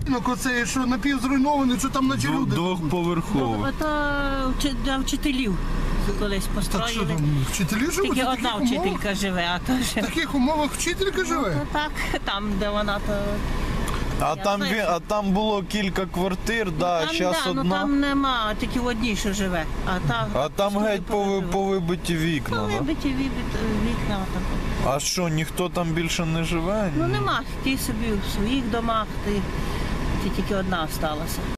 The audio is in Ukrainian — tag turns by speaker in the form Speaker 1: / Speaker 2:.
Speaker 1: Оце, що напівзруйнований, що там наче люди.
Speaker 2: Двохповерховий.
Speaker 3: Це для вчителів колись
Speaker 1: Так що
Speaker 3: построїли.
Speaker 1: там, вчителі живуть?
Speaker 3: Тільки
Speaker 1: в
Speaker 3: одна
Speaker 1: таких умовах?
Speaker 3: вчителька живе, а то
Speaker 1: В
Speaker 3: ж...
Speaker 1: таких умовах вчителька живе?
Speaker 3: Ну, так, там, де вона, то...
Speaker 2: А там було кілька квартир,
Speaker 3: Там,
Speaker 2: зараз
Speaker 3: ну,
Speaker 2: одна.
Speaker 3: там нема, тільки в одній, що живе.
Speaker 2: А там геть повибиті вікна, да?
Speaker 3: Вибиті вікна. Там.
Speaker 2: А що, ніхто там більше не живе?
Speaker 3: Ну нема, ті собі в своїх домах, ті тільки одна залишилася.